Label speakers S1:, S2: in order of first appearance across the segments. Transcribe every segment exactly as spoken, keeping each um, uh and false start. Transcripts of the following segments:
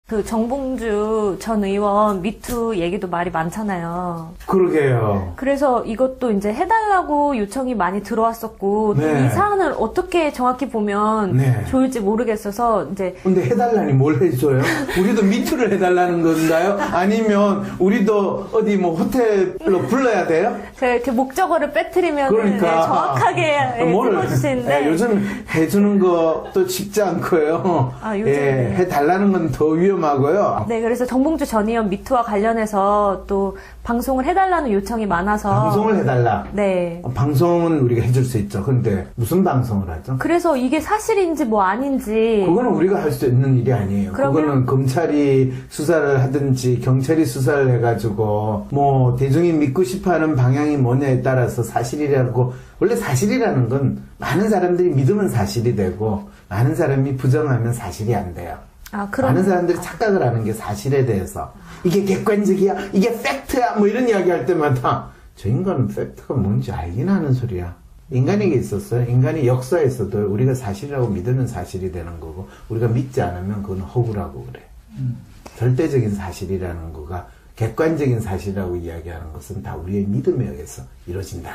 S1: 그 정봉주 전 의원 미투 얘기도 말이 많잖아요.
S2: 그러게요.
S1: 그래서 이것도 이제 해달라고 요청이 많이 들어왔었고
S2: 네.
S1: 이 사안을 어떻게 정확히 보면
S2: 네.
S1: 좋을지 모르겠어서 이제
S2: 근데 해달라니 뭘 해줘요? 우리도 미투를 해달라는 건가요? 아니면 우리도 어디 뭐 호텔로 불러야 돼요?
S1: 제가 이렇게 목적어를 빼뜨리면
S2: 그러니까
S1: 네, 정확하게
S2: 뭘,
S1: 짚어주시는데
S2: 예, 요즘 해주는 것도 쉽지 않고요.
S1: 아, 요즘
S2: 예,
S1: 네.
S2: 해달라는 건 더 위험하고요.
S1: 네, 그래서 정봉주 전 의원 미투와 관련해서 또 방송을 해달라는 요청이 많아서
S2: 방송을 해달라.
S1: 네.
S2: 방송은 우리가 해줄 수 있죠. 근데 무슨 방송을 하죠?
S1: 그래서 이게 사실인지 뭐 아닌지
S2: 그거는 우리가 할 수 있는 일이 아니에요.
S1: 그러면-
S2: 그거는 검찰이 수사를 하든지 경찰이 수사를 해가지고 뭐 대중이 믿고 싶어하는 방향이 뭐냐에 따라서 사실이라고, 원래 사실이라는 건 많은 사람들이 믿으면 사실이 되고 많은 사람이 부정하면 사실이 안 돼요.
S1: 아, 그럼
S2: 많은 사람들이 착각을 하는 게 사실에 대해서 이게 객관적이야, 이게 팩트야 뭐 이런 이야기 할 때마다 저 인간은 팩트가 뭔지 알긴 하는 소리야. 인간에게 있었어요. 인간이 역사에서도 우리가 사실이라고 믿으면 사실이 되는 거고 우리가 믿지 않으면 그건 허구라고 그래.
S3: 음.
S2: 절대적인 사실이라는 거가 객관적인 사실이라고 이야기하는 것은 다 우리의 믿음에 의해서 이루어진다.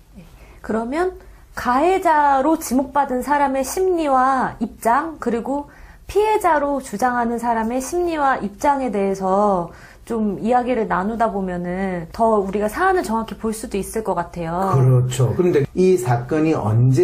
S1: 그러면 가해자로 지목받은 사람의 심리와 입장, 그리고 피해자로 주장하는 사람의 심리와 입장에 대해서 좀 이야기를 나누다 보면은 더 우리가 사안을 정확히 볼 수도 있을 것 같아요.
S2: 그렇죠. 그런데 이 사건이 언제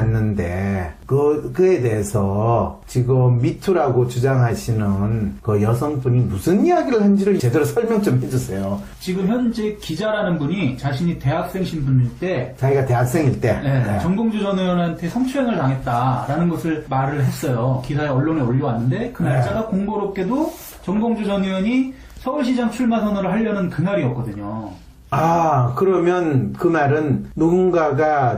S2: 일어났는데 그, 그에 대해서 지금 미투라고 주장하시는 그 여성분이 무슨 이야기를 한지를 제대로 설명 좀 해주세요.
S3: 지금 현재 기자라는 분이 자신이 대학생 신분일 때
S2: 자기가 대학생일 때.
S3: 네,
S2: 네.
S3: 정봉주 전 의원한테 성추행을 당했다라는 것을 말을 했어요. 기사에 언론에 올려왔는데 그
S2: 네.
S3: 날짜가 공교롭게도 정봉주 전 의원이 서울시장 출마 선언을 하려는 그날이었거든요.
S2: 아, 그러면 그 말은 누군가가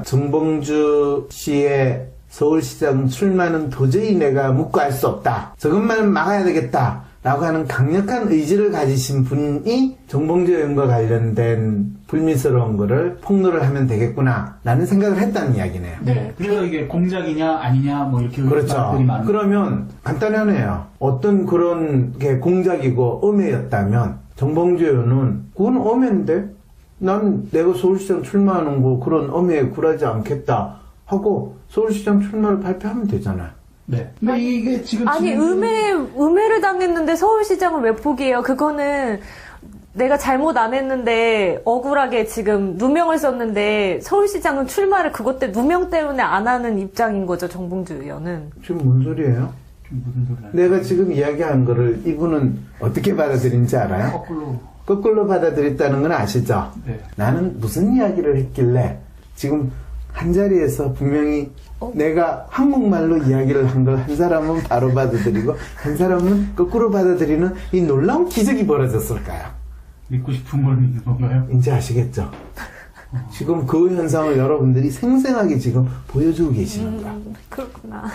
S2: 정봉주 씨의 서울시장 출마는 도저히 내가 묵고할 수 없다. 저것만은 막아야 되겠다. 라고 하는 강력한 의지를 가지신 분이 정봉주 의원과 관련된 불미스러운 거를 폭로를 하면 되겠구나 라는 생각을 했다는 이야기네요.
S3: 네. 그래서 이게 공작이냐 아니냐 뭐 이렇게
S2: 그렇죠.
S3: 말들이 많은.
S2: 그러면 간단하네요. 어떤 그런 게 공작이고 음해였다면 정봉주 의원은 그건 음해인데 난 내가 서울시장 출마하는 거 그런 음해에 굴하지 않겠다 하고 서울시장 출마를 발표하면 되잖아요.
S3: 네. 근데 이게 지금
S1: 아니
S3: 진행되는-
S1: 음해 음해를 당했는데 서울시장을 왜 포기해요? 그거는 내가 잘못 안 했는데 억울하게 지금 누명을 썼는데 서울시장은 출마를 그것 때 누명 때문에 안 하는 입장인 거죠, 정봉주 의원은.
S2: 지금 뭔 소리예요?
S3: 좀 무슨 소리 하는
S2: 내가 지금 이야기한 거를 이분은 어떻게 받아들인지 알아요?
S3: 거꾸로.
S2: 거꾸로 받아들였다는 건 아시죠?
S3: 네.
S2: 나는 무슨 이야기를 했길래 지금 한 자리에서 분명히
S1: 어?
S2: 내가 한국말로 이야기를 한 걸 한 사람은 바로 받아들이고 한 사람은 거꾸로 받아들이는 이 놀라운 기적이 벌어졌을까요?
S3: 믿고 싶은 걸 믿는 건가요?
S2: 이제 아시겠죠? 지금 그 현상을 여러분들이 생생하게 지금 보여주고 계시는 거야.
S1: 음, 그렇구나.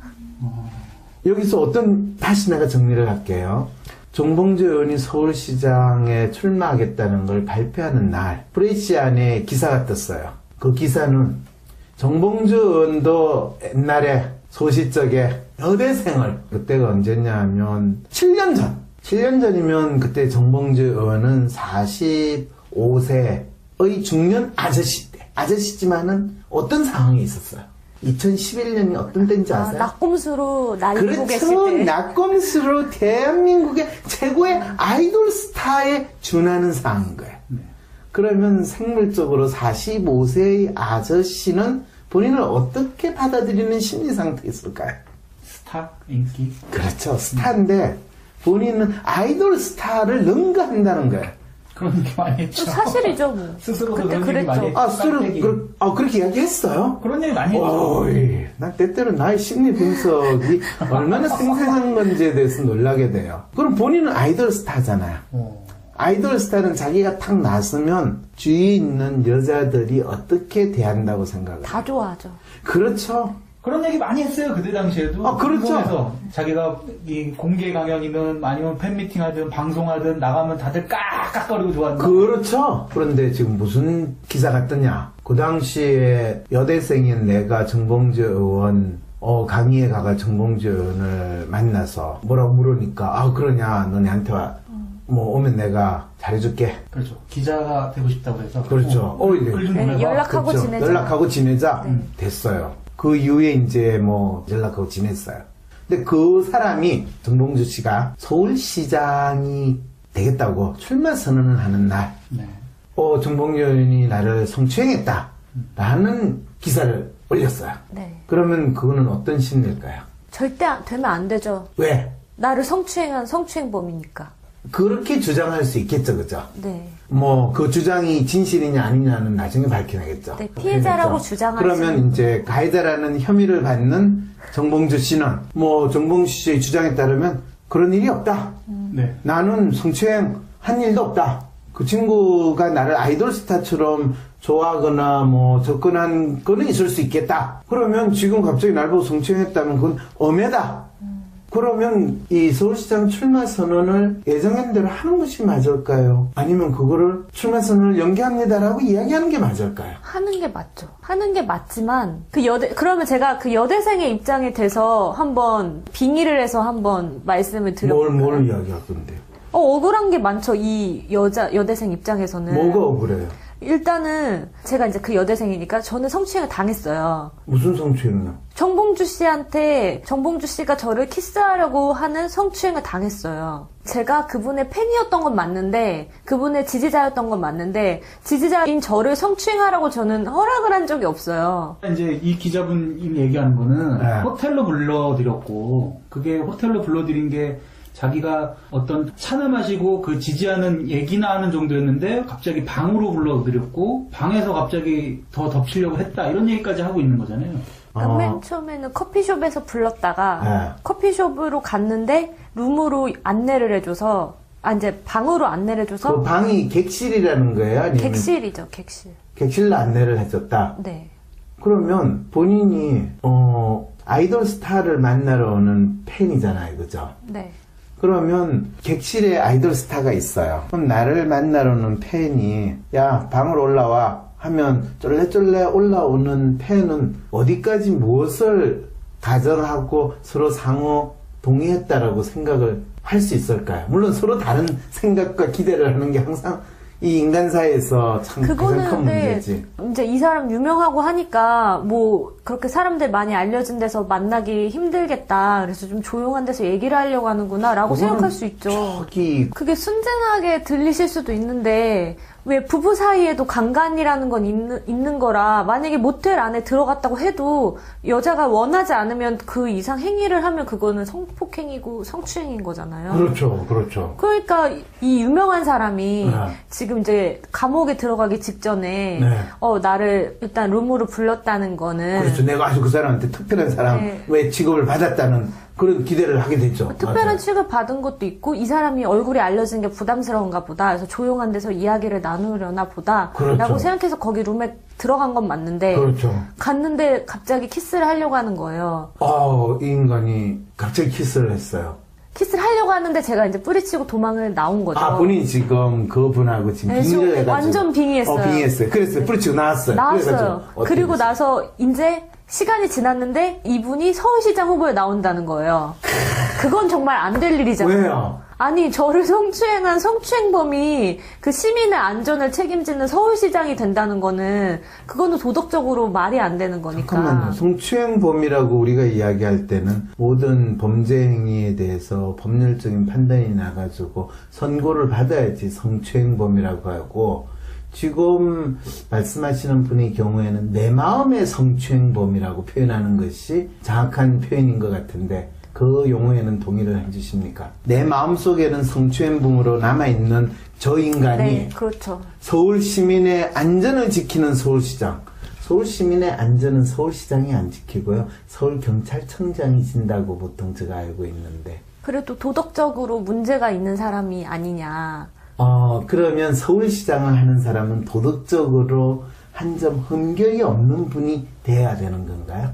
S2: 여기서 어떤, 다시 내가 정리를 할게요. 정봉주 의원이 서울시장에 출마하겠다는 걸 발표하는 날 프레시안에 기사가 떴어요. 그 기사는 정봉주 의원도 옛날에 소시적에 여대생을, 그때가 언제냐 하면 칠 년 전, 칠 년 전이면 그때 정봉주 의원은 사십오 세의 중년 아저씨 때, 아저씨지만은 어떤 상황이 있었어요. 이천십일 년이 어떤 때인지
S1: 아,
S2: 아세요?
S1: 낙곰수로 날리고 계실
S2: 그렇죠.
S1: 때.
S2: 낙검수로 대한민국의 최고의 아이돌 스타에 준하는 상황인 거예요.
S3: 네.
S2: 그러면 생물적으로 사십오 세의 아저씨는 본인을 어떻게 받아들이는 심리 상태에 있을까요?
S3: 스타? 인기?
S2: 그렇죠. 스타인데 본인은 아이돌 스타를 능가한다는 거예요.
S3: 그런 얘기 많이 했죠.
S1: 사실이죠, 뭐.
S3: 스스로도
S1: 그때
S3: 그런 얘기 많이
S1: 그랬죠.
S3: 했죠.
S2: 아, 스스로,
S3: 깜짝이.
S2: 그, 아, 그렇게 이야기했어요?
S3: 그런 얘기 많이 했죠.
S2: 오이, 난 때때로 나의 심리 분석이 얼마나 생생한 건지에 대해서 놀라게 돼요. 그럼 본인은 아이돌 스타잖아요.
S3: 어.
S2: 아이돌 스타는 자기가 탁 나서면 주위에 있는 여자들이 어떻게 대한다고 생각해요?
S1: 다 좋아하죠.
S2: 그렇죠.
S3: 그런 얘기 많이 했어요. 그때 당시에도.
S2: 아, 그렇죠.
S3: 방송에서 자기가 이 공개 강연이든 아니면 팬미팅 하든 방송하든 나가면 다들 깍깍거리고 좋아한다.
S2: 그렇죠. 그런데 지금 무슨 기사가 뜨냐. 그 당시에 여대생인 내가 정봉주 의원 어, 강의에 가가 정봉주 의원을 만나서 뭐라고 물으니까 아 그러냐 너네한테 와. 뭐 오면 내가 잘해줄게.
S3: 그렇죠. 기자가 되고 싶다고 해서.
S2: 그렇죠. 어, 이제.
S3: 글좀
S1: 네,
S3: 보내봐.
S1: 연락하고
S2: 그렇죠.
S1: 지내자.
S2: 연락하고 지내자.
S1: 네.
S2: 됐어요. 그 이후에 이제 뭐 연락하고 지냈어요. 근데 그 사람이 정봉주 씨가 서울시장이 되겠다고 출마 선언을 하는 날,
S3: 네.
S2: 어, 정봉주 의원이 나를 성추행했다라는 기사를 올렸어요.
S1: 네.
S2: 그러면 그거는 어떤 심리일까요?
S1: 절대 안- 되면 안 되죠.
S2: 왜?
S1: 나를 성추행한 성추행범이니까.
S2: 그렇게 주장할 수 있겠죠, 그죠?
S1: 네.
S2: 뭐 그 주장이 진실이냐 아니냐는 나중에 밝혀내겠죠.
S1: 네, 피해자라고
S2: 그렇겠죠?
S1: 주장하지.
S2: 그러면 이제 가해자라는 혐의를 받는 정봉주 씨는 뭐 정봉주 씨의 주장에 따르면 그런 일이 없다.
S3: 네.
S2: 나는 성추행 한 일도 없다. 그 친구가 나를 아이돌 스타처럼 좋아하거나 뭐 접근한 거는 있을 수 있겠다. 그러면 지금 갑자기 날 보고 성추행했다면 그건 엄해다. 그러면 이 서울시장 출마 선언을 예정한 대로 하는 것이 맞을까요? 아니면 그거를 출마 선언을 연기합니다라고 이야기하는 게 맞을까요?
S1: 하는 게 맞죠. 하는 게 맞지만 그 여대 그러면 제가 그 여대생의 입장에 대해서 한번 빙의를 해서 한번 말씀을
S2: 뭘,
S1: 드려볼까요?
S2: 뭘 이야기할 건데요?
S1: 어, 억울한 게 많죠. 이 여자 여대생 입장에서는.
S2: 뭐가 억울해요?
S1: 일단은 제가 이제 그 여대생이니까 저는 성추행을 당했어요.
S2: 무슨 성추행이요?
S1: 정봉주 씨한테 정봉주 씨가 저를 키스하려고 하는 성추행을 당했어요. 제가 그분의 팬이었던 건 맞는데 그분의 지지자였던 건 맞는데 지지자인 저를 성추행하라고 저는 허락을 한 적이 없어요.
S3: 이제 이 기자분이 얘기하는 거는
S2: 네.
S3: 호텔로 불러드렸고, 그게 호텔로 불러드린 게 자기가 어떤 차나 마시고 그 지지하는 얘기나 하는 정도였는데 갑자기 방으로 불러드렸고 방에서 갑자기 더 덮치려고 했다 이런 얘기까지 하고 있는 거잖아요.
S1: 그러니까
S2: 어.
S1: 맨 처음에는 커피숍에서 불렀다가
S2: 네.
S1: 커피숍으로 갔는데 룸으로 안내를 해줘서 아 이제 방으로 안내를 해줘서
S2: 그 방이 객실이라는 거예요? 아니면
S1: 객실이죠 객실.
S2: 객실로 안내를 해줬다?
S1: 네.
S2: 그러면 본인이 어 아이돌 스타를 만나러 오는 팬이잖아요, 그죠?
S1: 네.
S2: 그러면 객실에 아이돌 스타가 있어요. 그럼 나를 만나러 오는 팬이 야 방으로 올라와 하면 쫄래쫄래 올라오는 팬은 어디까지 무엇을 가정하고 서로 상호 동의했다라고 생각을 할 수 있을까요? 물론 서로 다른 생각과 기대를 하는 게 항상 이 인간사에서 참 가장
S1: 그거는
S2: 큰
S1: 근데
S2: 문제지.
S1: 이제 이 사람 유명하고 하니까 뭐 그렇게 사람들 많이 알려진 데서 만나기 힘들겠다. 그래서 좀 조용한 데서 얘기를 하려고 하는구나라고
S2: 그거는
S1: 생각할 수 있죠.
S2: 저기
S1: 그게 순진하게 들리실 수도 있는데 왜 부부 사이에도 강간이라는 건 있는, 있는 거라 만약에 모텔 안에 들어갔다고 해도 여자가 원하지 않으면 그 이상 행위를 하면 그거는 성폭행이고 성추행인 거잖아요.
S2: 그렇죠, 그렇죠.
S1: 그러니까 이 유명한 사람이
S2: 네.
S1: 지금 이제 감옥에 들어가기 직전에
S2: 네.
S1: 어 나를 일단 룸으로 불렀다는 거는
S2: 그렇죠. 내가 아주 그 사람한테 특별한 사람
S1: 네.
S2: 왜 취급을 받았다는 그런 기대를 하게 되죠.
S1: 특별한
S2: 맞아요.
S1: 취급을 받은 것도 있고 이 사람이 얼굴이 알려진 게 부담스러운가 보다. 그래서 조용한 데서 이야기를 나누려나 보다
S2: 그렇죠.
S1: 라고 생각해서 거기 룸에 들어간 건 맞는데
S2: 그렇죠.
S1: 갔는데 갑자기 키스를 하려고 하는 거예요.
S2: 아, 이 인간이 갑자기 키스를 했어요.
S1: 키스를 하려고 하는데 제가 이제 뿌리치고 도망을 나온 거죠.
S2: 아, 본인이 지금 그분하고 지금
S1: 네,
S2: 빙의를
S1: 지금
S2: 해가지고.
S1: 완전 빙의했어요.
S2: 어, 빙의했어요. 그래서 뿌리치고 나왔어요.
S1: 나왔어요.
S2: 그래가지고 어떻게
S1: 그리고
S2: 됐어요?
S1: 나서 이제 시간이 지났는데 이분이 서울시장 후보에 나온다는 거예요. 그건 정말 안 될 일이잖아요.
S2: 왜요?
S1: 아니 저를 성추행한 성추행범이 그 시민의 안전을 책임지는 서울시장이 된다는 거는 그거는 도덕적으로 말이 안 되는 거니까.
S2: 잠깐만요. 성추행범이라고 우리가 이야기할 때는 모든 범죄 행위에 대해서 법률적인 판단이 나가지고 선고를 받아야지 성추행범이라고 하고, 지금 말씀하시는 분의 경우에는 내 마음의 성추행범이라고 표현하는 것이 정확한 표현인 것 같은데 그 용어에는 동의를 해주십니까? 내 마음속에는 성추행범으로 남아있는 저 인간이
S1: 네, 그렇죠.
S2: 서울 시민의 안전을 지키는 서울시장. 서울 시민의 안전은 서울시장이 안 지키고요. 서울경찰청장이 진다고 보통 제가 알고 있는데.
S1: 그래도 도덕적으로 문제가 있는 사람이 아니냐.
S2: 어, 그러면 서울시장을 하는 사람은 도덕적으로 한 점 흠결이 없는 분이 돼야 되는 건가요?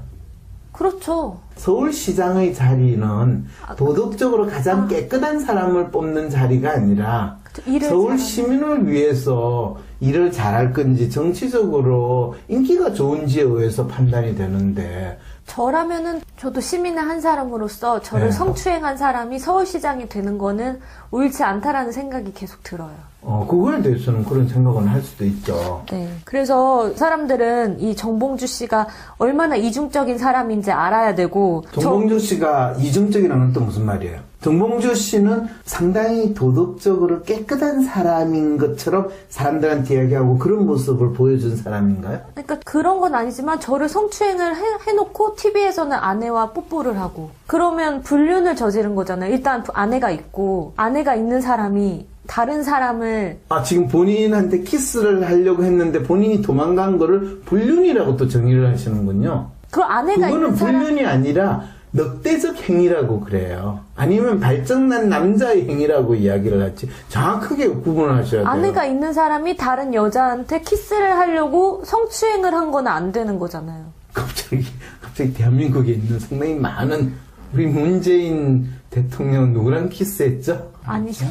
S1: 그렇죠.
S2: 서울시장의 자리는 도덕적으로 가장 깨끗한 사람을 뽑는 자리가 아니라
S1: 그쵸, 일을
S2: 서울
S1: 잘하는.
S2: 시민을 위해서 일을 잘할 건지 정치적으로 인기가 좋은지에 의해서 판단이 되는데
S1: 저라면은 저도 시민의 한 사람으로서 저를
S2: 네.
S1: 성추행한 사람이 서울시장이 되는 거는 옳지 않다라는 생각이 계속 들어요.
S2: 어, 그거에 대해서는 그런 생각은 할 수도 있죠.
S1: 네. 그래서 사람들은 이 정봉주 씨가 얼마나 이중적인 사람인지 알아야 되고
S2: 정봉주 씨가 이중적이라는 건 또 무슨 말이에요? 정봉주 씨는 상당히 도덕적으로 깨끗한 사람인 것처럼 사람들한테 이야기하고 그런 모습을 보여준 사람인가요?
S1: 그러니까 그런 건 아니지만 저를 성추행을 해, 해놓고 티비에서는 아내와 뽀뽀를 하고 그러면 불륜을 저지른 거잖아요. 일단 아내가 있고 아내가 있는 사람이 다른 사람을
S2: 아, 지금 본인한테 키스를 하려고 했는데 본인이 도망간 거를 불륜이라고 또 정의를 하시는군요.
S1: 그 아내가
S2: 그거는
S1: 있는 사람
S2: 불륜이 아니라 넉대적 행위라고 그래요. 아니면 발정난 남자의 행위라고 이야기를 하지. 정확하게 구분을 하셔야 돼요.
S1: 아내가 있는 사람이 다른 여자한테 키스를 하려고 성추행을 한 건 안 되는 거잖아요.
S2: 갑자기 갑자기 대한민국에 있는 상당히 많은 우리 문재인 대통령 누구랑 키스했죠?
S1: 아니죠.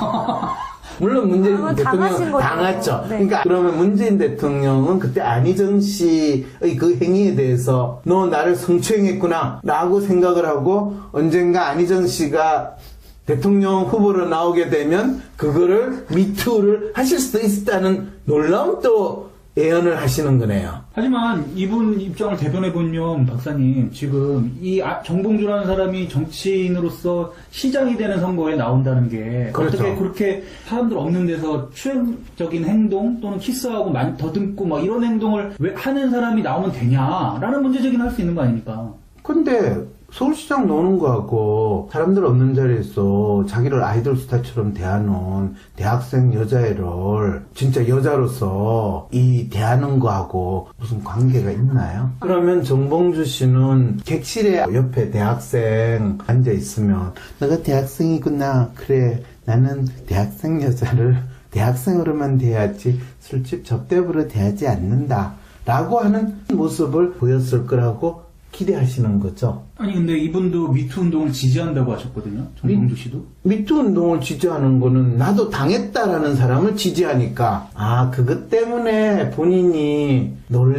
S2: 물론 문재인
S1: 그러면 당하신
S2: 대통령
S1: 거죠.
S2: 당했죠.
S1: 네.
S2: 그러니까 그러면 문재인 대통령은 그때 안희정 씨의 그 행위에 대해서 너 나를 성추행했구나 라고 생각을 하고 언젠가 안희정 씨가 대통령 후보로 나오게 되면 그거를 미투를 하실 수도 있다는 놀라운 또 예언을 하시는 거네요.
S3: 하지만 이분 입장을 대변해보면 박사님 지금 이 아- 정봉주라는 사람이 정치인으로서 시장이 되는 선거에 나온다는 게
S2: 그렇죠.
S3: 어떻게 그렇게 사람들 없는 데서 추행적인 행동 또는 키스하고 많이 더듬고 막 이런 행동을 왜 하는 사람이 나오면 되냐라는 문제제기는 할 수 있는 거 아닙니까?
S2: 근데 서울시장 노는 거하고 사람들 없는 자리에서 자기를 아이돌 스타처럼 대하는 대학생 여자애를 진짜 여자로서 이 대하는 거하고 무슨 관계가 있나요? 그러면 정봉주 씨는 객실에 옆에 대학생 앉아 있으면 너가 대학생이구나. 그래 나는 대학생 여자를 대학생으로만 대하지 술집 접대부로 대하지 않는다 라고 하는 모습을 보였을 거라고 기대하시는 거죠.
S3: 아니 근데 이분도 미투 운동을 지지한다고 하셨거든요. 정봉주 씨도.
S2: 미투 운동을 지지하는 거는 나도 당했다라는 사람을 지지하니까 아 그것 때문에 본인이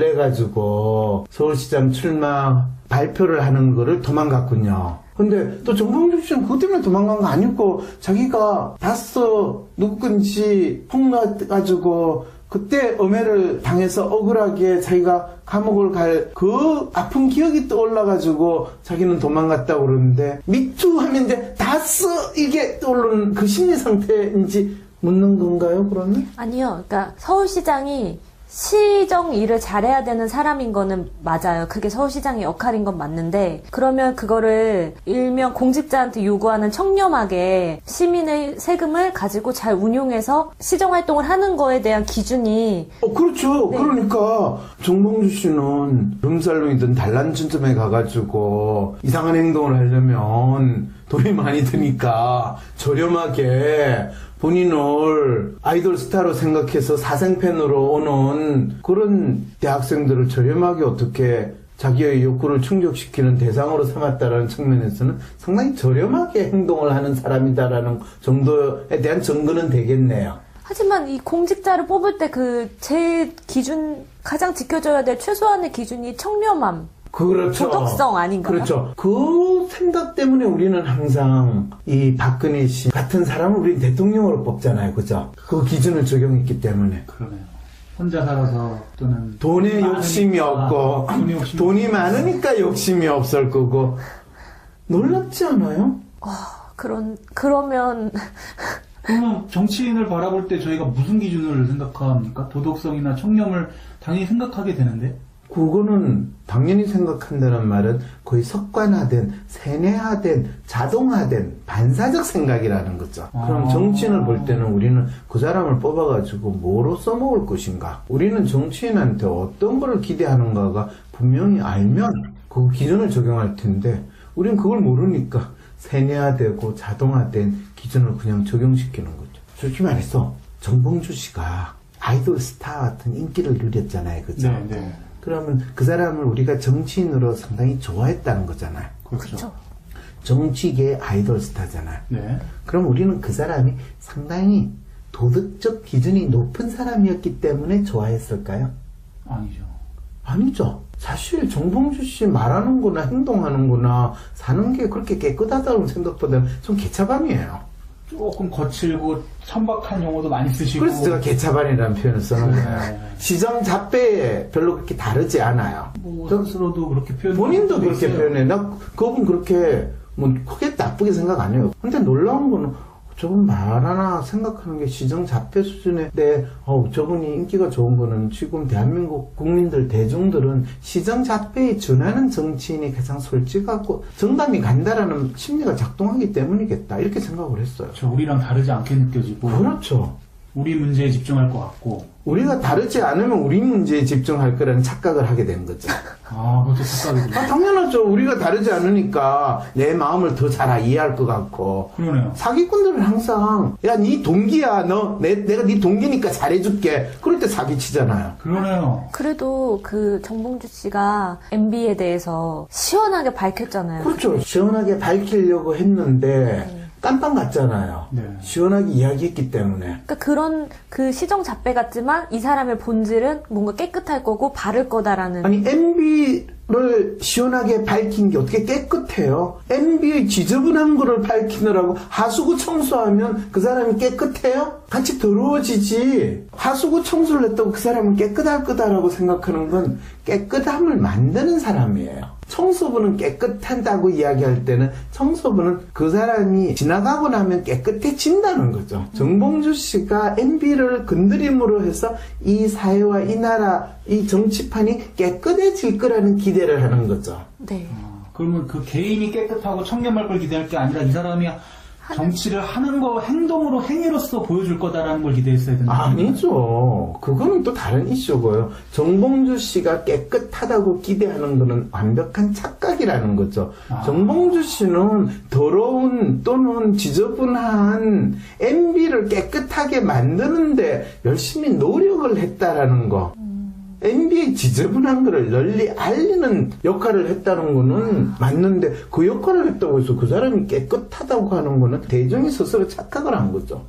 S2: 놀래가지고 서울시장 출마 발표를 하는 거를 도망갔군요. 근데 또 정봉주 씨는 그것 때문에 도망간 거 아니고 자기가 봤어 누구든지 폭로가지고 그때 엄해를 당해서 억울하게 자기가 감옥을 갈 그 아픈 기억이 떠올라가지고 자기는 도망갔다고 그러는데 미투 하면 이제 다스 이게 떠오르는 그 심리 상태인지 묻는 건가요 그러면?
S1: 아니요. 그러니까 서울시장이 시정 일을 잘해야 되는 사람인 거는 맞아요. 그게 서울시장의 역할인 건 맞는데 그러면 그거를 일명 공직자한테 요구하는 청렴하게 시민의 세금을 가지고 잘 운용해서 시정활동을 하는 거에 대한 기준이
S2: 어 그렇죠.
S1: 네.
S2: 그러니까 정봉주 씨는 룸살롱이든 단란춘점에 가가지고 이상한 행동을 하려면 돈이 많이 드니까 저렴하게 본인을 아이돌 스타로 생각해서 사생팬으로 오는 그런 대학생들을 저렴하게 어떻게 자기의 욕구를 충족시키는 대상으로 삼았다라는 측면에서는 상당히 저렴하게 행동을 하는 사람이다라는 정도에 대한 증거는 되겠네요.
S1: 하지만 이 공직자를 뽑을 때 그 제일 기준 가장 지켜줘야 될 최소한의 기준이 청렴함.
S2: 그렇죠.
S1: 도덕성 아닌가요?
S2: 그렇죠. 그 생각 때문에 우리는 항상 이 박근혜 씨 같은 사람을 우리 대통령으로 뽑잖아요. 그죠? 그 기준을 적용했기 때문에.
S3: 그러네요. 혼자 살아서 또는
S2: 돈에 욕심이 없고
S3: 돈이 욕심이
S2: 돈이 많으니까 욕심이 없을 거고 놀랍지 않아요?
S1: 그런 그러면
S3: 그러면 정치인을 바라볼 때 저희가 무슨 기준을 생각합니까? 도덕성이나 청렴을 당연히 생각하게 되는데
S2: 그거는 당연히 생각한다는 말은 거의 습관화된, 세뇌화된, 자동화된 반사적 생각이라는 거죠. 그럼
S3: 아.
S2: 정치인을 볼 때는 우리는 그 사람을 뽑아가지고 뭐로 써먹을 것인가? 우리는 정치인한테 어떤 거를 기대하는가가 분명히 알면 그 기준을 적용할 텐데 우리는 그걸 모르니까 세뇌화되고 자동화된 기준을 그냥 적용시키는 거죠. 솔직히 말해서 정봉주 씨가 아이돌 스타 같은 인기를 누렸잖아요. 그죠?
S3: 네, 네.
S2: 그러면 그 사람을 우리가 정치인으로 상당히 좋아했다는 거잖아요.
S3: 그렇죠.
S1: 그렇죠.
S2: 정치계의 아이돌 스타잖아요.
S3: 네.
S2: 그럼 우리는 그 사람이 상당히 도덕적 기준이 높은 사람이었기 때문에 좋아했을까요?
S3: 아니죠.
S2: 아니죠. 사실 정봉주 씨 말하는 거나 행동하는 거나 사는 게 그렇게 깨끗하다는 생각보다는 좀 개차반이에요.
S3: 조금 거칠고 천박한 용어도 많이 쓰시고.
S2: 그래서 제가 개차반이라는 표현을 쓰는 거예요.
S3: 네.
S2: 시정 잡배에 별로 그렇게 다르지 않아요.
S3: 뭐 스스로도 그렇게 표현.
S2: 본인도 그렇게 표현해. 나 그분 그렇게 뭐 크게 나쁘게 생각 안 해요. 근데 놀라운 거는 저분 말 하나 생각하는 게 시정 잡배 수준인데 어, 저분이 인기가 좋은 거는 지금 대한민국 국민들 대중들은 시정 잡배에 준하는 정치인이 가장 솔직하고 정당이 간다라는 심리가 작동하기 때문이겠다 이렇게 생각을 했어요.
S3: 저 우리랑 다르지 않게 느껴지고.
S2: 그렇죠.
S3: 우리 문제에 집중할 것 같고.
S2: 우리가 다르지 않으면 우리 문제에 집중할 거라는 착각을 하게 된 거죠.
S3: 아, 그것도 착각이군요.
S2: 아, 당연하죠. 우리가 다르지 않으니까 내 마음을 더 잘 이해할 것 같고.
S3: 그러네요.
S2: 사기꾼들은 항상 야, 네 동기야. 너 내, 내가 네 동기니까 잘해줄게. 그럴 때 사기치잖아요.
S3: 그러네요.
S1: 그래도 그 정봉주 씨가 엠비에 대해서 시원하게 밝혔잖아요.
S2: 그렇죠. 시원하게 밝히려고 했는데 깜빵 갔잖아요.
S3: 네.
S2: 시원하게 이야기했기 때문에.
S1: 그러니까 그런 그 시정 잡배 같지만 이 사람의 본질은 뭔가 깨끗할 거고 바를 거다라는.
S2: 아니 엠비를 시원하게 밝힌 게 어떻게 깨끗해요? 엠비의 지저분한 거를 밝히느라고 하수구 청소하면 그 사람이 깨끗해요? 같이 더러워지지. 하수구 청소를 했다고 그 사람은 깨끗할 거다라고 생각하는 건 깨끗함을 만드는 사람이에요. 청소부는 깨끗한다고 이야기할 때는 청소부는 그 사람이 지나가고 나면 깨끗해진다는 거죠. 정봉주 씨가 엠비를 건드림으로 해서 이 사회와 이 나라, 이 정치판이 깨끗해질 거라는 기대를 하는 거죠.
S1: 네.
S3: 아, 그러면 그 개인이 깨끗하고 청렴할 걸 기대할 게 아니라 이 사람이 정치를 하는 거 행동으로 행위로서 보여줄 거다라는 걸 기대했어야 된다.
S2: 아니죠. 그거는 또 다른 이슈고요. 정봉주 씨가 깨끗하다고 기대하는 거는 완벽한 착각이라는 거죠.
S3: 아.
S2: 정봉주 씨는 더러운 또는 지저분한 엠비를 깨끗하게 만드는데 열심히 노력을 했다라는 거. 엠비의 지저분한 거를 널리 알리는 역할을 했다는 거는 맞는데 그 역할을 했다고 해서 그 사람이 깨끗하다고 하는 거는 대중이 스스로 착각을 한 거죠.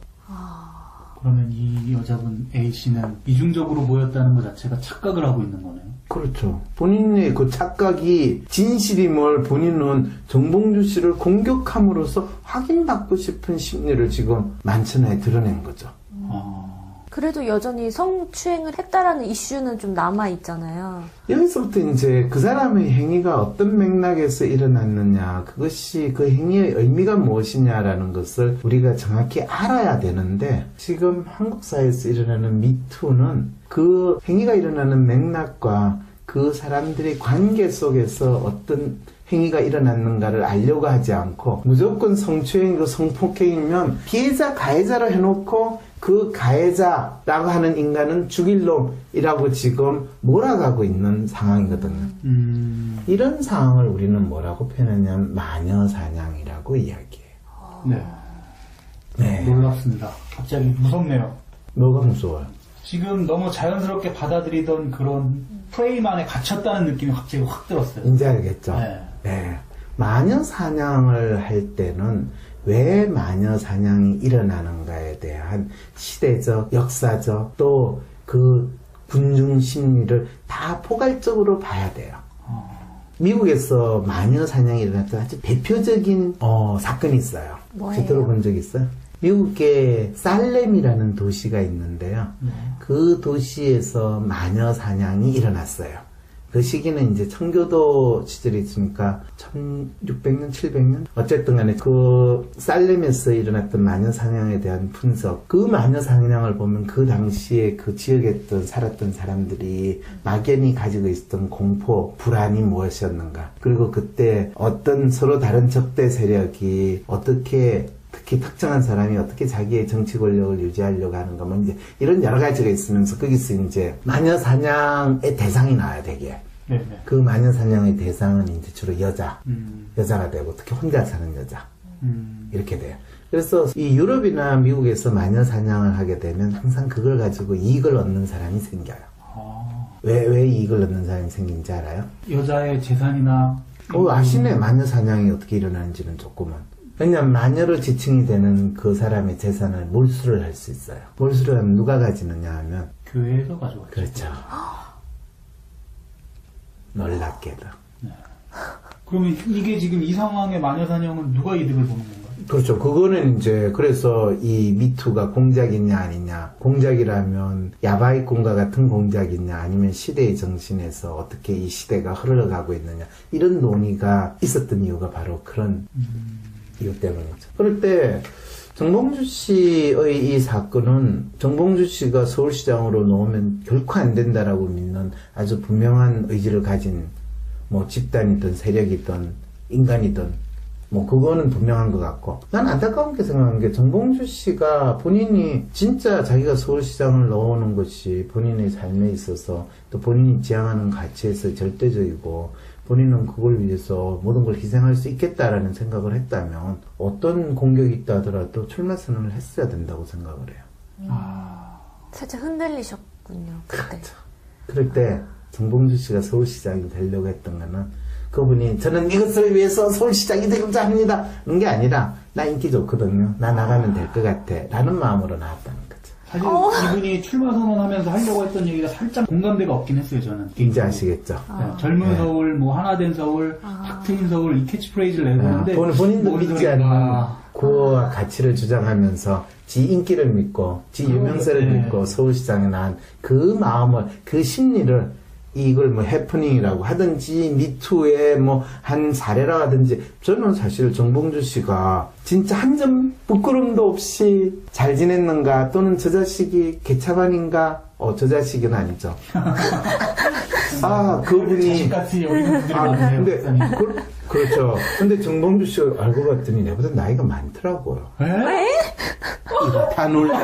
S3: 그러면 이 여자분 A씨는 이중적으로 보였다는 것 자체가 착각을 하고 있는 거네요.
S2: 그렇죠. 본인의 그 착각이 진실임을 본인은 정봉주 씨를 공격함으로써 확인받고 싶은 심리를 지금 만천하에 드러낸 거죠.
S3: 아.
S1: 그래도 여전히 성추행을 했다라는 이슈는 좀 남아있잖아요.
S2: 여기서부터 이제 그 사람의 행위가 어떤 맥락에서 일어났느냐, 그것이 그 행위의 의미가 무엇이냐라는 것을 우리가 정확히 알아야 되는데, 지금 한국 사회에서 일어나는 미투는 그 행위가 일어나는 맥락과 그 사람들의 관계 속에서 어떤 행위가 일어났는가를 알려고 하지 않고, 무조건 성추행이고 성폭행이면 피해자 가해자로 해놓고 그 가해자라고 하는 인간은 죽일 놈이라고 지금 몰아가고 있는 상황이거든요.
S3: 음.
S2: 이런 상황을 우리는 뭐라고 표현하냐면 마녀사냥이라고 이야기해요.
S3: 네.
S2: 네.
S3: 놀랍습니다. 갑자기 무섭네요.
S2: 뭐가 무서워요?
S3: 지금 너무 자연스럽게 받아들이던 그런 프레임 안에 갇혔다는 느낌이 갑자기 확 들었어요.
S2: 이제 알겠죠?
S3: 네.
S2: 네. 마녀사냥을 할 때는 왜 마녀 사냥이 일어나는가에 대한 시대적, 역사적, 또 그 군중 심리를 다 포괄적으로 봐야 돼요.
S3: 어.
S2: 미국에서 마녀 사냥이 일어났던 아주 대표적인 어, 사건이 있어요.
S1: 뭐예요?
S2: 혹시 들어본 적 있어요? 미국의 살렘이라는 도시가 있는데요.
S3: 네.
S2: 그 도시에서 마녀 사냥이 일어났어요. 그 시기는 이제 청교도 시절이 있으니까 천육백 년, 칠백 년? 어쨌든 간에 그 살렘에서 일어났던 마녀 사냥에 대한 분석, 그 마녀 사냥을 보면 그 당시에 그 지역에 있던 살았던 사람들이 막연히 가지고 있었던 공포, 불안이 무엇이었는가, 그리고 그때 어떤 서로 다른 적대 세력이 어떻게, 특히 특정한 사람이 어떻게 자기의 정치 권력을 유지하려고 하는가, 뭐 이제 이런 여러 가지가 있으면서 거기서 이제 마녀 사냥의 대상이 나와야 되게.
S3: 네네.
S2: 그 마녀 사냥의 대상은 이제 주로 여자,
S3: 음.
S2: 여자가 되고 특히 혼자 사는 여자
S3: 음.
S2: 이렇게 돼요. 그래서 이 유럽이나 미국에서 마녀 사냥을 하게 되면 항상 그걸 가지고 이익을 얻는 사람이 생겨요.
S3: 아.
S2: 왜, 왜 이익을 얻는 사람이 생긴지 알아요?
S3: 여자의 재산이나.
S2: 어, 아시네. 마녀 사냥이 어떻게 일어나는지는 조금은. 왜냐면 마녀로 지칭이 되는 그 사람의 재산을 몰수를 할 수 있어요. 몰수를 하면 누가 가지느냐 하면
S3: 교회에서 가져왔죠.
S2: 그렇죠. 놀랍게도.
S3: 그러면 이게 지금 이 상황의 마녀사냥은 누가 이득을 보는 건가요?
S2: 그렇죠. 그거는 이제 그래서 이 미투가 공작이냐 아니냐, 공작이라면 야바이꾼과 같은 공작이냐, 아니면 시대의 정신에서 어떻게 이 시대가 흘러가고 있느냐, 이런 논의가 있었던 이유가 바로 그런 음. 이유 때문이죠. 그럴 때 정봉주 씨의 이 사건은 정봉주 씨가 서울시장으로 놓으면 결코 안 된다라고 믿는 아주 분명한 의지를 가진 뭐 집단이든 세력이든 인간이든 뭐 그거는 분명한 것 같고, 난 안타까운 게 생각하는 게 정봉주 씨가 본인이 진짜 자기가 서울시장을 넣어오는 것이 본인의 삶에 있어서 또 본인이 지향하는 가치에서 절대적이고 본인은 그걸 위해서 모든 걸 희생할 수 있겠다라는 생각을 했다면 어떤 공격이 있다 하더라도 출마 선언을 했어야 된다고 생각을 해요.
S1: 음. 아... 살짝 흔들리셨군요. 그때.
S2: 그렇죠. 그럴 때 정봉주 씨가 서울시장이 되려고 했던 거는 그분이 저는 이것을 위해서 서울시장이 되고자 합니다 그런 게 아니라 나 인기 좋거든요, 나 나가면 될 것 같아 라는 마음으로 나왔다는 거죠.
S3: 사실
S1: 어.
S3: 이분이 출마 선언하면서 하려고 했던 얘기가 살짝 공감대가 없긴 했어요. 저는
S2: 이제 아시겠죠.
S3: 네, 아. 젊은 네. 서울, 뭐 하나된 서울, 아. 탁 트인 서울 이 캐치프레이즈를 내보는데
S2: 아, 본, 본인도 믿지 않는 구호와 가치를 주장하면서 지 인기를 믿고 지 유명세를 네. 믿고 서울시장에 난 그 마음을, 그 심리를 이걸 뭐 해프닝이라고 하든지 미투의 뭐 한 사례라 하든지, 저는 사실 정봉주 씨가 진짜 한 점 부끄럼도 없이 잘 지냈는가, 또는 저 자식이 개차반인가, 어, 저 자식은 아니죠. 아, 그분이.
S3: 자식같이 여기는 분들이
S2: 아,
S3: 많네요.
S2: 근데, 그, 그렇죠. 근데 정봉주 씨가 알고 봤더니 내보다 나이가 많더라고요.
S1: 에?
S2: 이거 다 놀래.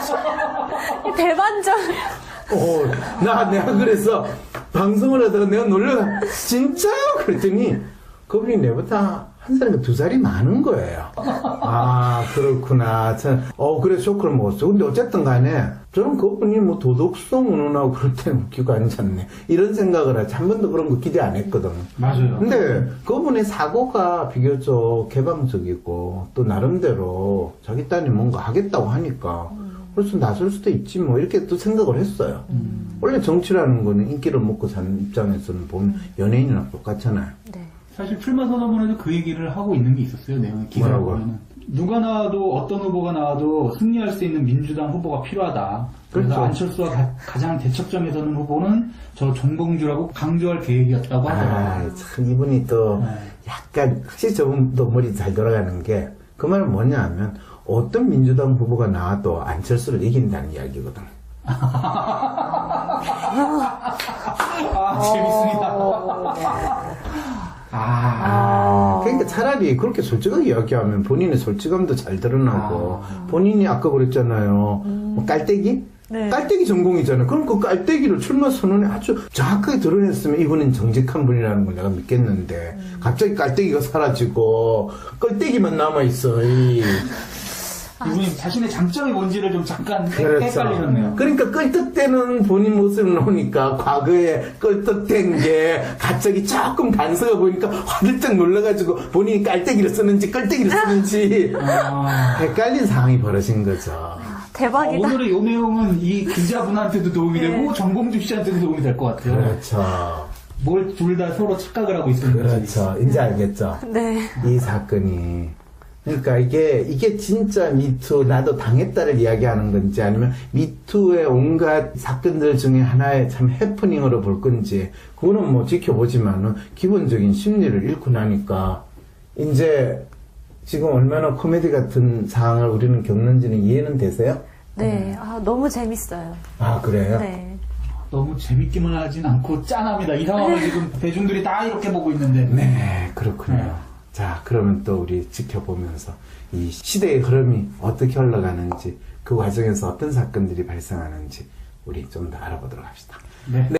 S1: 대반전.
S2: 어, 나, 내가 그래서 방송을 하다가 내가 놀래가, 진짜요? 그랬더니 그분이 내보다 한 살인가 두 살이 많은 거예요. 아, 그렇구나. 참, 어, 그래, 쇼크를 먹었어. 근데 어쨌든 간에 저는 그분이 뭐 도덕성 운운하고 그럴 때는 웃기고 앉았네, 이런 생각을 하지. 한 번도 그런 거 기대 안 했거든.
S3: 맞아요.
S2: 근데 그분의 사고가 비교적 개방적이고 또 나름대로 자기 딸이 뭔가 하겠다고 하니까 그래서 나설 수도 있지 뭐, 이렇게 또 생각을 했어요. 음. 원래 정치라는 거는 인기를 먹고 사는 입장에서는 보면 연예인이랑 똑같잖아요.
S1: 네.
S3: 사실 출마 선언문에도 그 얘기를 하고 있는 게 있었어요. 내용 기사를 보면은. 누가 나와도 어떤 후보가 나와도 승리할 수 있는 민주당 후보가 필요하다. 그래서
S2: 그렇죠.
S3: 안철수와 가, 가장 대척점에 서는 후보는 저 정봉주라고 강조할 계획이었다고 하더라고요.
S2: 아, 참 이분이 또
S3: 네.
S2: 약간 확실히 저분도 머리 잘 돌아가는 게, 그 말은 뭐냐 하면 어떤 민주당 후보가 나와도 안철수를 이긴다는 이야기거든.
S3: 아, 재밌습니다.
S2: 아, 그러니까 차라리 그렇게 솔직하게 이야기하면 본인의 솔직함도 잘 드러나고, 아. 본인이 아까 그랬잖아요. 음. 뭐 깔때기? 네. 깔때기 전공이잖아요. 그럼 그 깔때기를 출마 선언에 아주 정확하게 드러냈으면 이분은 정직한 분이라는 걸 내가 믿겠는데, 음. 갑자기 깔때기가 사라지고 깔때기만 남아있어. 이.
S3: 이분이 자신의 장점이 뭔지를 좀 잠깐
S2: 그렇죠.
S3: 헷갈리셨네요.
S2: 그러니까 껄떡대는 본인 모습을 놓으니까 과거에 껄떡댄 게 갑자기 조금 단서가 보니까 화들짝 놀라가지고 본인이 깔때기를 쓰는지 껄떡이를 쓰는지 아... 헷갈린 상황이 벌어진 거죠.
S1: 대박이다.
S3: 아, 오늘의 이 내용은 이 기자분한테도 도움이
S1: 네.
S3: 되고 정봉주 씨한테도 도움이 될 것 같아요.
S2: 그렇죠.
S3: 뭘 둘 다 서로 착각을 하고 있었는지.
S2: 그렇죠. 이제 알겠죠.
S1: 네.
S2: 이 사건이. 그러니까 이게, 이게 진짜 미투, 나도 당했다를 이야기하는 건지, 아니면 미투의 온갖 사건들 중에 하나의 참 해프닝으로 볼 건지, 그거는 뭐 지켜보지만은, 기본적인 심리를 잃고 나니까, 이제, 지금 얼마나 코미디 같은 상황을 우리는 겪는지는 이해는 되세요?
S1: 네, 아, 너무 재밌어요.
S2: 아, 그래요?
S1: 네.
S3: 너무 재밌기만 하진 않고 짠합니다. 이 상황을 지금 대중들이 다 이렇게 보고 있는데.
S2: 네, 그렇군요.
S3: 네.
S2: 자, 그러면 또 우리 지켜보면서 이 시대의 흐름이 어떻게 흘러가는지, 그 과정에서 어떤 사건들이 발생하는지 우리 좀 더 알아보도록 합시다.
S3: 네. 네.